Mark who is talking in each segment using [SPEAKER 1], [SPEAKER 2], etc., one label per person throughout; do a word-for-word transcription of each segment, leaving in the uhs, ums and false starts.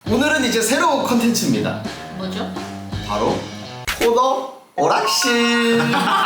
[SPEAKER 1] 오늘은 이제 새로운 컨텐츠입니다.
[SPEAKER 2] 뭐죠?
[SPEAKER 1] 바로 코너 오락실.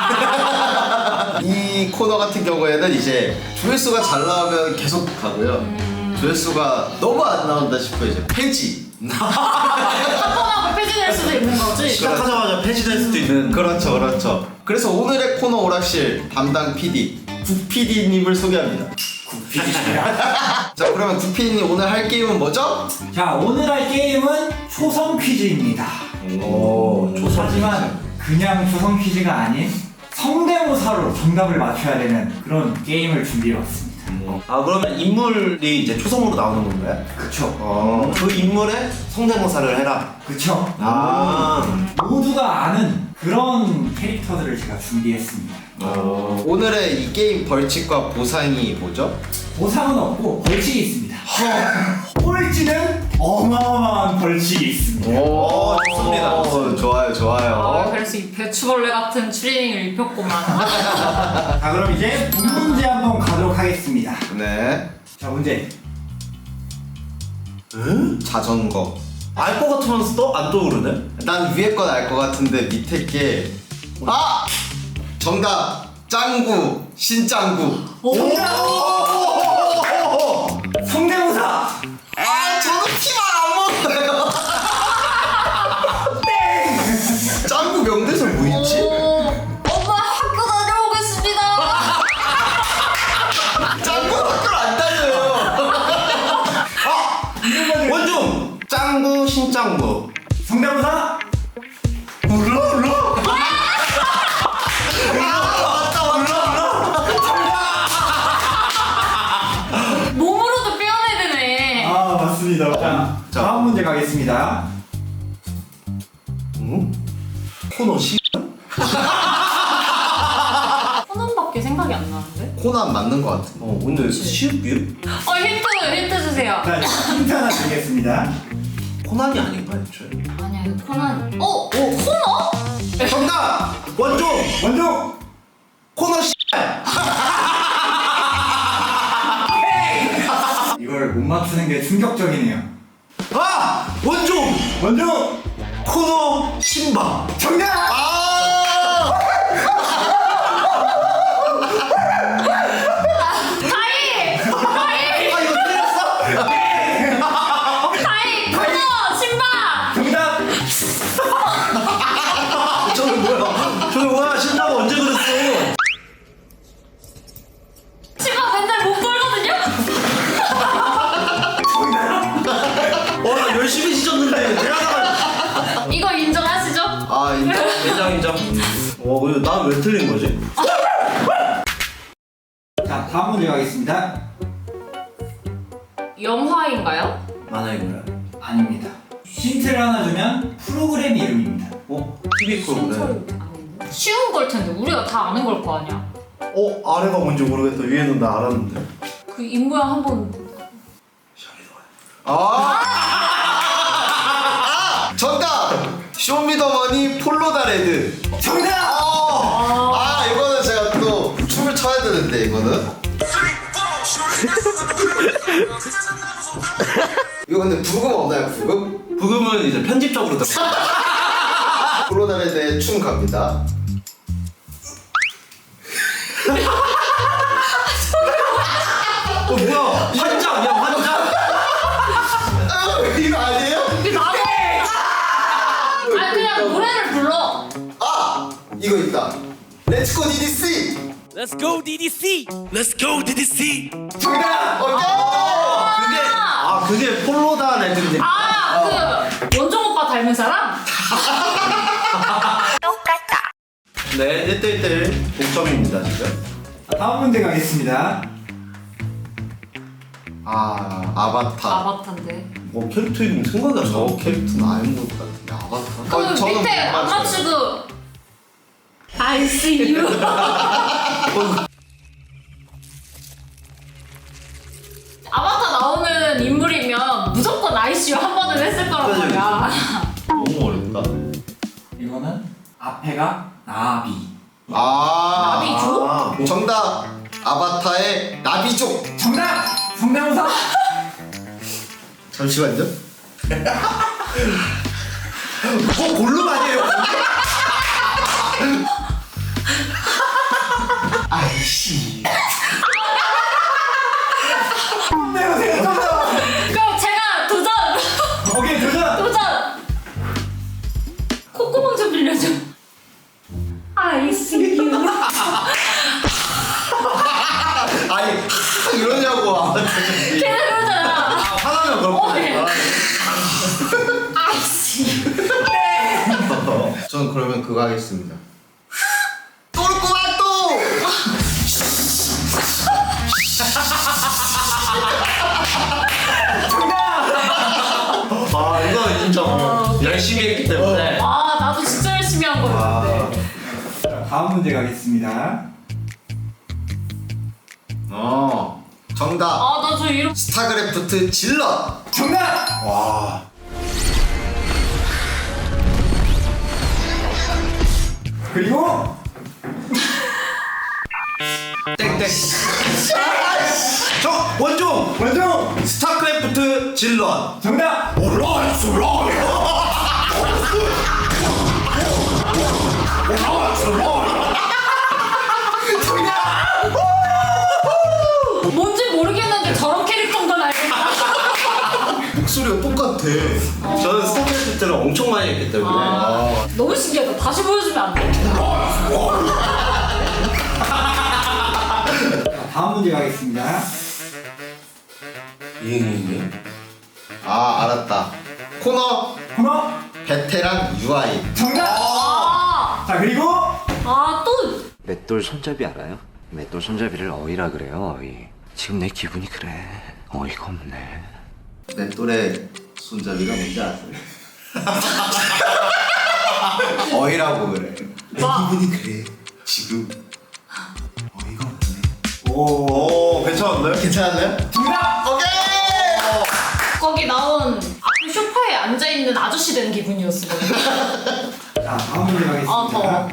[SPEAKER 1] 이 코너 같은 경우에는 이제 조회수가 잘 나오면 계속 가고요. 음... 조회수가 너무 안 나온다 싶으면 이제 폐지.
[SPEAKER 2] 한번하고 폐지될 수도 있는 거지?
[SPEAKER 3] 시작하자마자 폐지될 수도 있는.
[SPEAKER 1] 그렇죠, 그렇죠. 그래서 오늘의 코너 오락실 담당 피디 국 피디님을 소개합니다.
[SPEAKER 3] 국 피디입니다.
[SPEAKER 1] 자, 그러면 국 피디님 오늘 할 게임은 뭐죠?
[SPEAKER 4] 자, 오늘 할 게임은 초성 퀴즈입니다.
[SPEAKER 1] 오,
[SPEAKER 4] 하지만 그냥 초성 퀴즈가 아닌 성대모사로 정답을 맞춰야 되는 그런 게임을 준비해왔습니다.
[SPEAKER 3] 아, 그러면 인물이 이제 초성으로 나오는 건가요?
[SPEAKER 4] 그쵸?
[SPEAKER 3] 어, 그 인물의 성대모사를 해라.
[SPEAKER 4] 그쵸?
[SPEAKER 3] 아,
[SPEAKER 4] 모두가 아는 그런 캐릭터들을 제가 준비했습니다.
[SPEAKER 3] 어.
[SPEAKER 1] 오늘의 이 게임 벌칙과 보상이 뭐죠?
[SPEAKER 4] 보상은 없고 벌칙이 있습니다. 꼴찌는 어마어마한 벌칙이 있습니다.
[SPEAKER 1] 오,
[SPEAKER 3] 좋습니다.
[SPEAKER 1] 오, 좋아요,
[SPEAKER 2] 아,
[SPEAKER 1] 좋아요.
[SPEAKER 2] 그래서 이 배추벌레 같은 추리닝을 입혔구만.
[SPEAKER 4] 자, 그럼 이제 문제 한번 가도록 하겠습니다.
[SPEAKER 1] 네.
[SPEAKER 4] 자, 문제.
[SPEAKER 3] 응?
[SPEAKER 1] 자전거.
[SPEAKER 3] 알 것 같으면서 또 안 떠오르네?
[SPEAKER 1] 난 위에 건 알 것 같은데 밑에 게 아! 정답! 짱구! 신짱구!
[SPEAKER 2] 오!
[SPEAKER 4] 성대모사!
[SPEAKER 1] 아, 저는 피만 안 먹어요. 땡! 짱구 명대사 뭐 있지?
[SPEAKER 2] 오, 엄마 학교 다녀오겠습니다.
[SPEAKER 1] 짱구 학교를 안 다녀요.
[SPEAKER 3] 원중! 짱구, 신짱구.
[SPEAKER 4] 성대모사!
[SPEAKER 1] 울러 울러?
[SPEAKER 2] 몸으로도 표현해야 되네.
[SPEAKER 4] 아, 맞습니다. 자,
[SPEAKER 1] 자.
[SPEAKER 4] 다음 문제 가겠습니다.
[SPEAKER 3] 응? 코너 시?
[SPEAKER 2] 코난밖에 생각이 안 나는데?
[SPEAKER 1] 코난 맞는 것 같은데.
[SPEAKER 3] 어, 근데 시읍이요?
[SPEAKER 2] 어, 힌트, 힌트 주세요.
[SPEAKER 4] 자, 힌트 하나 드리겠습니다.
[SPEAKER 3] 코난이 아닌가, 애초에?
[SPEAKER 2] 아니야, 이거 코난. 어? 오, 코너?
[SPEAKER 3] 정답! 원중!
[SPEAKER 4] 원종!
[SPEAKER 3] 코너 시!
[SPEAKER 4] 이걸 못 맞추는 게 충격적이네요.
[SPEAKER 3] 아! 원중!
[SPEAKER 4] 원종!
[SPEAKER 3] 코너 신바!
[SPEAKER 4] 정답!
[SPEAKER 1] 아!
[SPEAKER 2] 다이! 다이!
[SPEAKER 3] 아, 이거 틀렸어?
[SPEAKER 2] 다이! 코너! 신바!
[SPEAKER 4] 정답!
[SPEAKER 3] 저게 뭐야? 저게 뭐야? 신바가 언제 그랬어?
[SPEAKER 2] 신바 맨날 못 걸거든요?
[SPEAKER 3] 어, 나 열심히 찢었는데 대학가
[SPEAKER 2] 이거 인정하시죠?
[SPEAKER 1] 아, 인정.
[SPEAKER 3] 인정 인정. 어, 근데 난 왜 틀린 거지?
[SPEAKER 4] 자, 다음 문제 가겠습니다.
[SPEAKER 2] 영화인가요?
[SPEAKER 3] 만화의 뭐야?
[SPEAKER 4] 아닙니다. 힌트를 하나 주면 프로그램 이름입니다.
[SPEAKER 3] 어? 티비 프로그램.
[SPEAKER 2] 아닌데? 쉬운 걸 텐데 우리가 다 아는 걸 거 아니야?
[SPEAKER 3] 어? 아래가 뭔지 모르겠다. 위에는 나 알았는데.
[SPEAKER 2] 그 입모양 한번
[SPEAKER 1] 아! 아! 정답! 쇼미더머니 폴로다 레드.
[SPEAKER 4] 정답!
[SPEAKER 1] 어! 아, 이거는 제가 또 춤을 춰야 되는데, 이거는. 이거 근데 부금 없나요, 부금?
[SPEAKER 3] 부금은 이제 편집적으로 들
[SPEAKER 1] 폴로다 레드의 춤 갑니다.
[SPEAKER 3] 어, 뭐야? 환장! 야, 환장!
[SPEAKER 1] 아, 이거 아니에요?
[SPEAKER 2] 이게 나네! 아니 그냥 노래를 불러.
[SPEAKER 1] 아! 이거 있다. 렛츠고 디디씨!
[SPEAKER 5] Let's go D D C! Let's go D D C!
[SPEAKER 1] 정답! 오케이!
[SPEAKER 3] 그게, 아, 그게 폴로다 레드인데.
[SPEAKER 2] 아, 그 원종 오빠 닮은 사람?
[SPEAKER 3] 네, 일 대 일 동점입니다, 지금.
[SPEAKER 4] 자, 다음 문제 가겠습니다.
[SPEAKER 1] 아, 아바타.
[SPEAKER 2] 아바타인데.
[SPEAKER 3] 어, 캐릭터 이름 생각이 안
[SPEAKER 1] 저
[SPEAKER 3] 나.
[SPEAKER 1] 캐릭터는 아는 것 같은데, 아바타?
[SPEAKER 2] 그
[SPEAKER 1] 어, 저는
[SPEAKER 2] 밑에
[SPEAKER 1] 못
[SPEAKER 2] 안
[SPEAKER 1] 맞춰요.
[SPEAKER 2] 맞추고 I see you. 아바타 나오는 인물이면 무조건 아이씨유 한 번은 했을 거란
[SPEAKER 3] 그치,
[SPEAKER 2] 말이야.
[SPEAKER 1] 너무 어렵다.
[SPEAKER 4] 이거는 앞에가 나비.
[SPEAKER 1] 아,
[SPEAKER 2] 나비족?
[SPEAKER 3] 아,
[SPEAKER 1] 정답! 아바타의 나비족!
[SPEAKER 4] 정답! 성대모사!
[SPEAKER 1] 잠시만요.
[SPEAKER 3] 뭐 골룸 아니에요?
[SPEAKER 1] 아이씨.
[SPEAKER 4] 내보세요 정답.
[SPEAKER 2] 그럼 제가 도전!
[SPEAKER 4] 오케이 도전.
[SPEAKER 2] 도전! 콧구멍 좀 빌려줘. I see you.
[SPEAKER 1] 아니 이러냐고.
[SPEAKER 2] 걔는 그러잖아.
[SPEAKER 3] 아, 화나면 그렇고.
[SPEAKER 2] 어, 네. I see you.
[SPEAKER 1] 저는 그러면 그거 하겠습니다. 똘꼬마 또.
[SPEAKER 3] 아, 이거 인정. 열심히 했기 때문에.
[SPEAKER 2] 아, 나도 진짜 열심히 한 거였는데.
[SPEAKER 4] 자, 다음 문제 가겠습니다.
[SPEAKER 1] 어. 정답.
[SPEAKER 2] 아, 나 저 이름.
[SPEAKER 1] 스타크래프트 질럿.
[SPEAKER 4] 정답.
[SPEAKER 3] 와.
[SPEAKER 4] 그리고
[SPEAKER 3] 땡땡. 저 원종.
[SPEAKER 4] 원종.
[SPEAKER 3] 스타크래프트 질럿.
[SPEAKER 4] 정답.
[SPEAKER 3] 올라왔어, 올라왔어. 올라왔어, 올라왔어.
[SPEAKER 2] 뭔지 모르겠는데 저런 캐릭터인 건 알겠다.
[SPEAKER 1] 목소리가 똑같아.
[SPEAKER 3] 저는 스타크래프트를 엄청 많이 했기 때문에.
[SPEAKER 2] 아, 너무 신기하다. 다시 보여주면 안 돼?
[SPEAKER 4] 자, 다음 문제 가겠습니다.
[SPEAKER 3] 이응이응.
[SPEAKER 1] 아 알았다. 코너
[SPEAKER 4] 코너.
[SPEAKER 1] 베테랑 유아인.
[SPEAKER 4] 정답.
[SPEAKER 2] 아,
[SPEAKER 4] 자 그리고
[SPEAKER 2] 아, 또.
[SPEAKER 6] 맷돌 손잡이 알아요? 맷돌 손잡이를 어이라 그래요, 어이. 지금 내 기분이 그래. 어이가 없네.
[SPEAKER 1] 내 또래 손잡이가 뭔지 아세요? 어이라고 그래. 내
[SPEAKER 2] 와.
[SPEAKER 1] 기분이 그래. 지금 어이가 없네.
[SPEAKER 3] 오, 오, 괜찮은데?
[SPEAKER 1] 괜찮았나요?
[SPEAKER 4] 정답.
[SPEAKER 1] 오케이.
[SPEAKER 2] 거기 나온 앞에 소파에 앉아있는 아저씨 된 기분이었어.
[SPEAKER 4] 자 다음 문제 가겠습니다.
[SPEAKER 2] 아, 더.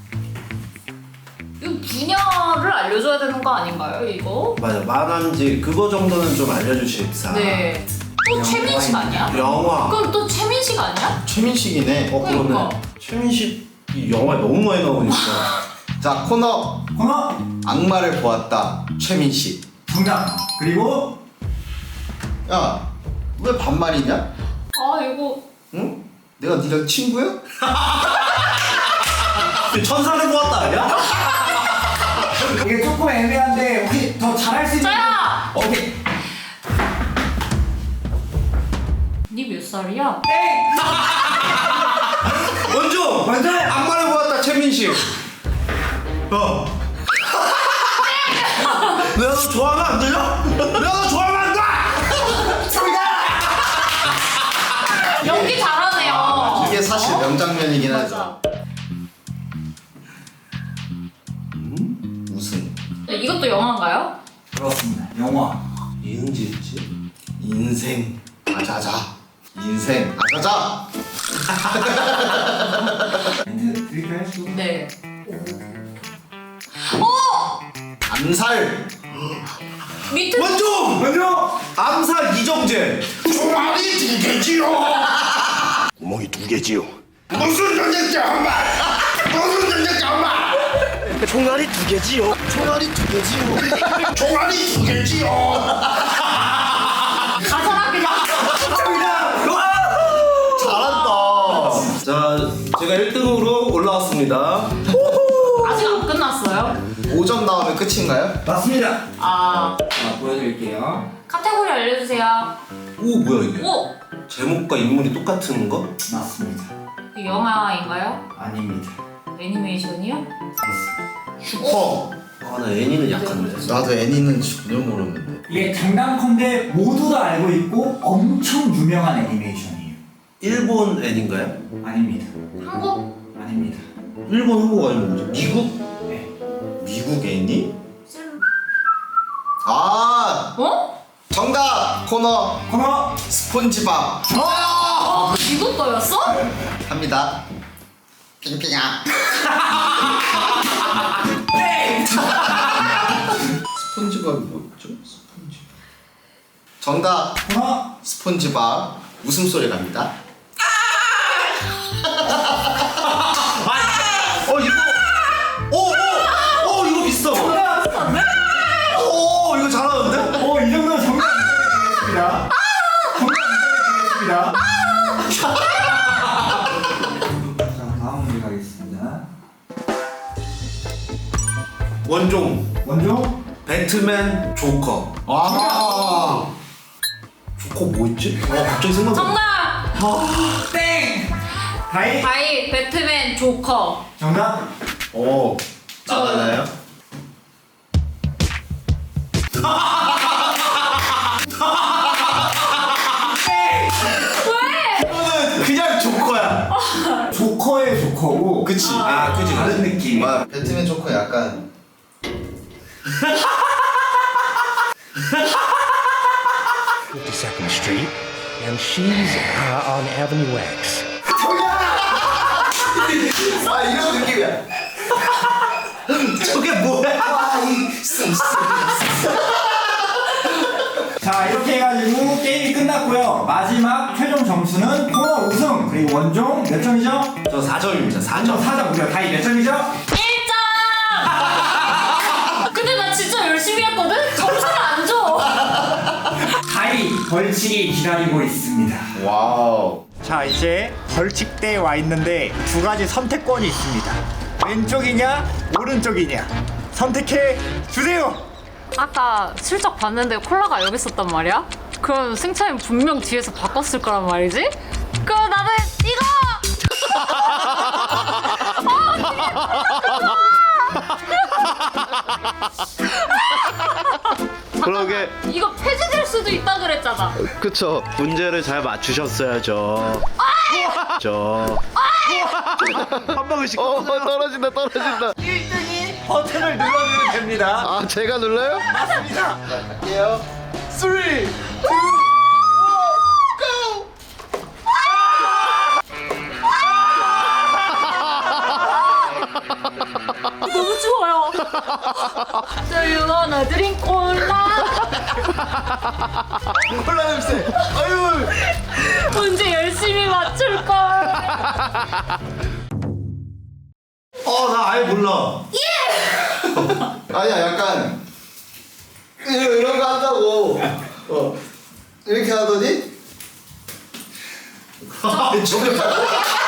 [SPEAKER 2] 이거 분야를 알려줘야 되는 거 아닌가요, 이거?
[SPEAKER 3] 맞아, 만화인지 그거 정도는 좀 알려주십사.
[SPEAKER 2] 네. 또 최민식 아니야?
[SPEAKER 3] 영화.
[SPEAKER 2] 그럼 또 최민식 아니야?
[SPEAKER 1] 최민식이네.
[SPEAKER 3] 어, 그러네.
[SPEAKER 2] 그러니까.
[SPEAKER 3] 최민식이 영화에 너무 많이 나오니까.
[SPEAKER 1] 자 코너
[SPEAKER 4] 코너.
[SPEAKER 1] 악마를 보았다. 최민식.
[SPEAKER 4] 정답. 그리고
[SPEAKER 1] 야 왜 반말이냐?
[SPEAKER 2] 아, 이거.
[SPEAKER 1] 응? 내가 니랑 친구야?
[SPEAKER 3] 천사를 보았다 아니야?
[SPEAKER 4] 이게 조금 애매한데 혹시 더 잘할 수 있는?
[SPEAKER 2] 자야!
[SPEAKER 4] 오케이.
[SPEAKER 2] 니 몇 살이야?
[SPEAKER 4] 땡.
[SPEAKER 3] 원종!
[SPEAKER 4] 먼저.
[SPEAKER 3] 악마를 보았다 최민식. 어. 내가 너 좋아하면 안 되냐? 내가 너 좋아하면 안 돼!
[SPEAKER 2] 연기 잘하네요.
[SPEAKER 1] 이게 사실 명장면이긴 하죠.
[SPEAKER 2] 맞아.
[SPEAKER 1] 우승.
[SPEAKER 2] 이것도 영화인가요?
[SPEAKER 4] 그렇습니다. 영화.
[SPEAKER 3] 이은지였지?
[SPEAKER 1] 인생 아자자. 인생 아자자.
[SPEAKER 4] 멘트 드릴까요?
[SPEAKER 2] 네. 어!
[SPEAKER 1] 암살.
[SPEAKER 2] 밑에.
[SPEAKER 3] 원종!
[SPEAKER 4] 먼저.
[SPEAKER 3] 암살 이정재.
[SPEAKER 1] 총알이 두 개지요.
[SPEAKER 5] 구멍이 두 개지요.
[SPEAKER 1] 무슨 전쟁자 엄마. 무슨 전쟁자 엄마.
[SPEAKER 5] 총알이 두 개지요.
[SPEAKER 1] 총알이 두 개지요. 총알이 두 개지요.
[SPEAKER 2] 가사라 그냥.
[SPEAKER 1] 잘한다.
[SPEAKER 3] 자, 제가 일 등으로 올라왔습니다.
[SPEAKER 2] 아직 안 끝났어요?
[SPEAKER 1] 오 점 나오면 끝인가요?
[SPEAKER 4] 맞습니다.
[SPEAKER 2] 아,
[SPEAKER 4] 자 보여드릴게요.
[SPEAKER 2] 카테고리 알려주세요.
[SPEAKER 3] 오, 뭐야 이게?
[SPEAKER 2] 오!
[SPEAKER 3] 제목과 인물이 똑같은 거?
[SPEAKER 4] 맞습니다.
[SPEAKER 2] 이 영화인가요?
[SPEAKER 4] 아닙니다.
[SPEAKER 2] 애니메이션이요?
[SPEAKER 1] 슈퍼.
[SPEAKER 3] 아, 나 애니는 약한데.
[SPEAKER 1] 나도 애니는 전혀 모르는데.
[SPEAKER 4] 이게 장난컨대 모두 다 알고 있고 엄청 유명한 애니메이션이에요.
[SPEAKER 3] 일본 애니인가요?
[SPEAKER 4] 아닙니다.
[SPEAKER 2] 한국?
[SPEAKER 4] 아닙니다.
[SPEAKER 3] 일본 한국 아니면 뭐지? 미국?
[SPEAKER 4] 네.
[SPEAKER 1] 미국 애니? 아
[SPEAKER 2] 어?
[SPEAKER 1] 정답 코너
[SPEAKER 4] 코너.
[SPEAKER 1] 스폰지밥.
[SPEAKER 2] 아, 이거 거였어?
[SPEAKER 1] 합니다. 핑핑아. 스폰지밥이 뭐였죠? 스폰지밥. 정답
[SPEAKER 4] 코너.
[SPEAKER 1] 스폰지밥. 웃음소리 갑니다.
[SPEAKER 3] 어 이거 오오오 이거 비슷하. 오 이거 잘하는데?
[SPEAKER 4] 어, 이 정도면 정답 인정해드리겠습니다. 정답 인정해드리겠습니다. 자, 다음 문제 가겠습니다.
[SPEAKER 3] 원종
[SPEAKER 4] 원종
[SPEAKER 3] 배트맨 조커.
[SPEAKER 1] 아,
[SPEAKER 3] 조커 뭐 있지? 어 갑자기 생각나.
[SPEAKER 2] 정답!
[SPEAKER 4] 땡! 다이
[SPEAKER 2] 바이 배트맨 조커.
[SPEAKER 4] 정답?
[SPEAKER 1] 오, 나가나요?
[SPEAKER 2] 왜?
[SPEAKER 1] 이거는 그냥 조커야.
[SPEAKER 4] 조커의 조커고
[SPEAKER 1] 그치?
[SPEAKER 4] 아, 그치 다른 느낌.
[SPEAKER 1] 와, 배트맨 조커 약간
[SPEAKER 5] fifty-second Street, and she's uh, on Avenue X.
[SPEAKER 1] 아 이런 느낌이야.
[SPEAKER 3] 저게 뭐야?
[SPEAKER 4] 자, 이렇게 해가지고 게임이 끝났고요. 마지막 최종 점수는 코너 우승 그리고 원종 몇 점이죠?
[SPEAKER 3] 저 사 점입니다. 사
[SPEAKER 4] 원종
[SPEAKER 3] 점.
[SPEAKER 4] 사 점 우리가 다이 몇 점이죠?
[SPEAKER 2] 일 점! 근데 나 진짜 열심히 했거든? 점수를 안 줘.
[SPEAKER 4] 다이 벌칙이 기다리고 있습니다.
[SPEAKER 1] 와우.
[SPEAKER 4] 자, 이제 벌칙대에 와 있는데 두 가지 선택권이 있습니다. 왼쪽이냐 오른쪽이냐 선택해 주세요.
[SPEAKER 2] 아까 슬쩍 봤는데 콜라가 여기 있었단 말이야? 그럼 승차는 분명 뒤에서 바꿨을 거란 말이지? 그럼 나는 이거!
[SPEAKER 3] 그러게
[SPEAKER 2] 이거 폐지될 수도 있다 그랬잖아.
[SPEAKER 3] 그쵸. 문제를 잘 맞추셨어야죠. 저. 한 방울씩. 어 떨어진다 떨어진다.
[SPEAKER 4] 일 등이 버튼을 눌러주면 됩니다.
[SPEAKER 3] 아 제가 눌러요?
[SPEAKER 4] 맞습니다.
[SPEAKER 1] 갈게요.
[SPEAKER 4] 삼, 이,
[SPEAKER 2] 너무 좋아요. Do you wanna drink 콜라?
[SPEAKER 1] 콜라 냄새. 아유.
[SPEAKER 2] 문제 열심히 맞출걸.
[SPEAKER 3] 어나 아예 몰라.
[SPEAKER 1] 아니야, 약간 이런, 이런 거 한다고. 어 이렇게 하더니
[SPEAKER 3] 저게